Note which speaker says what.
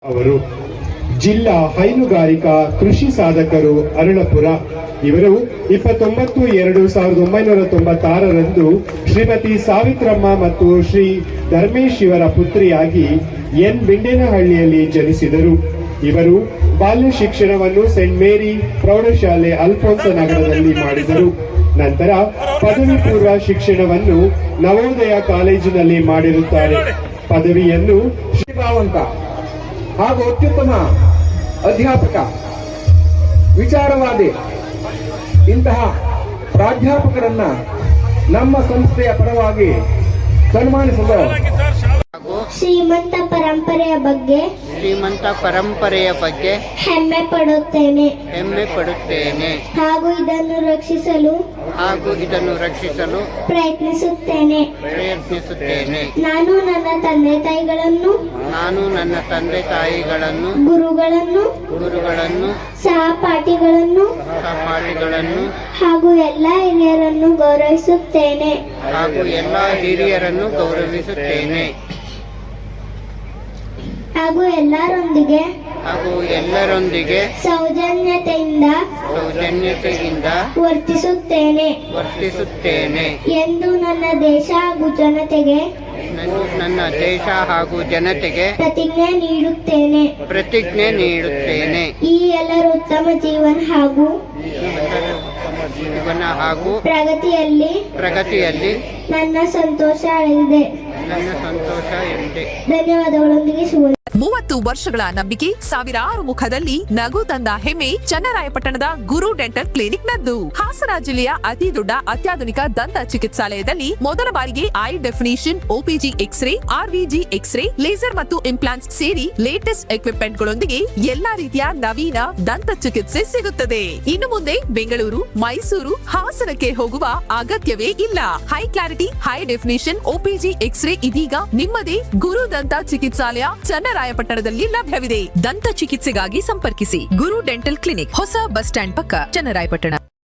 Speaker 1: ಅವರು ಜಿಲ್ಲಾ ಹೈನುಗಾರಿಕಾ ಕೃಷಿ ಸಾಧಕರು ಅರುಳಪುರ. ಇವರು 29/2/1996 ಶ್ರೀಮತಿ ಸಾವಿತ್ರಮ್ಮ ಮತ್ತು ಶ್ರೀ ಧರ್ಮೇಶ್ ಇವರ ಪುತ್ರಿಯಾಗಿ ಎನ್ ಬಿಂಡೇನಹಳ್ಳಿಯಲ್ಲಿ ಜನಿಸಿದರು. ಇವರು ಬಾಲ್ಯ ಶಿಕ್ಷಣವನ್ನು ಸೆಂಟ್ ಮೇರಿ ಪ್ರೌಢಶಾಲೆ ಅಲ್ಫೋನ್ಸ ನಗರದಲ್ಲಿ ಮಾಡಿದರು. ನಂತರ ಪದವಿ ಪೂರ್ವ ಶಿಕ್ಷಣವನ್ನು ನವೋದಯ ಕಾಲೇಜಿನಲ್ಲಿ ಮಾಡಿರುತ್ತಾರೆ. ಪದವಿಯನ್ನು
Speaker 2: ಶ್ರೀಭಾವಂತ ಹಾಗೂ ಅತ್ಯುತ್ತಮ ಅಧ್ಯಾಪಕ, ವಿಚಾರವಾದಿ ಇಂತಹ ಪ್ರಾಧ್ಯಾಪಕರನ್ನ ನಮ್ಮ ಸಂಸ್ಥೆಯ ಪರವಾಗಿ ಸನ್ಮಾನಿಸಲು
Speaker 3: ಶ್ರೀಮಂತ ಪರಂಪರೆಯ ಬಗ್ಗೆ ಹೆಮ್ಮೆ ಪಡುತ್ತೇನೆ ಹಾಗೂ ಇದನ್ನು ರಕ್ಷಿಸಲು ಪ್ರಯತ್ನಿಸುತ್ತೇನೆ. ನಾನು ನನ್ನ ತಂದೆ ತಾಯಿಗಳನ್ನು ಗುರುಗಳನ್ನು ಸಹಪಾಠಿಗಳನ್ನು ಹಾಗೂ ಎಲ್ಲ ಹಿರಿಯರನ್ನು ಗೌರವಿಸುತ್ತೇನೆ ಹಾಗೂ ಎಲ್ಲರೊಂದಿಗೆ ಸೌಜನ್ಯತೆಯಿಂದ ವರ್ತಿಸುತ್ತೇನೆ ಎಂದು ನನ್ನ ದೇಶ ಹಾಗೂ ಜನತೆಗೆ ಪ್ರತಿಜ್ಞೆ ನೀಡುತ್ತೇನೆ. ಈ ಎಲ್ಲರ ಉತ್ತಮ ಜೀವನ ಹಾಗೂ ಪ್ರಗತಿಯಲ್ಲಿ ನನ್ನ ಸಂತೋಷ ಇದೆ. ಧನ್ಯವಾದಗಳೊಂದಿಗೆ ಶುಭ.
Speaker 4: 30 ವರ್ಷಗಳ ನಂಬಿಕೆ, ಸಾವಿರಾರು ಮುಖದಲ್ಲಿ ನಗು ತಂದ ಹೆಮ್ಮೆ ಚನ್ನರಾಯಪಟ್ಟಣದ ಗುರು ಡೆಂಟಲ್ ಕ್ಲಿನಿಕ್ ನದ್ದು. ಹಾಸನ ಜಿಲ್ಲೆಯ ಅತಿ ದೊಡ್ಡ ಅತ್ಯಾಧುನಿಕ ದಂತ ಚಿಕಿತ್ಸಾಲಯದಲ್ಲಿ ಮೊದಲ ಬಾರಿಗೆ high definition, OPG x-ray, RVG x-ray, laser ಮತ್ತು ಇಂಪ್ಲಾಂಟ್ಸ್ ಸೇರಿ ಲೇಟೆಸ್ಟ್ ಎಕ್ವಿಪ್ಮೆಂಟ್ ಗಳೊಂದಿಗೆ ಎಲ್ಲಾ ರೀತಿಯ ನವೀನ ದಂತ ಚಿಕಿತ್ಸೆ ಸಿಗುತ್ತದೆ. ಇನ್ನು ಮುಂದೆ ಬೆಂಗಳೂರು, ಮೈಸೂರು, ಹಾಸನಕ್ಕೆ ಹೋಗುವ ಅಗತ್ಯವೇ ಇಲ್ಲ. High clarity, high definition OPG x-ray ಇದೀಗ ನಿಮ್ಮದೇ ಗುರು ದಂತ ಚಿಕಿತ್ಸಾಲಯ ಚನ್ನರಾಯಪಟ್ಟಣದಲ್ಲಿ ಲಭ್ಯವಿದೆ. ದಂತ ಚಿಕಿತ್ಸೆಗಾಗಿ ಸಂಪರ್ಕಿಸಿ ಗುರು ಡೆಂಟಲ್ ಕ್ಲಿನಿಕ್, ಹೊಸ ಬಸ್ ಸ್ಟ್ಯಾಂಡ್ ಪಕ್ಕ, ಚನ್ನರಾಯಪಟ್ಟಣ.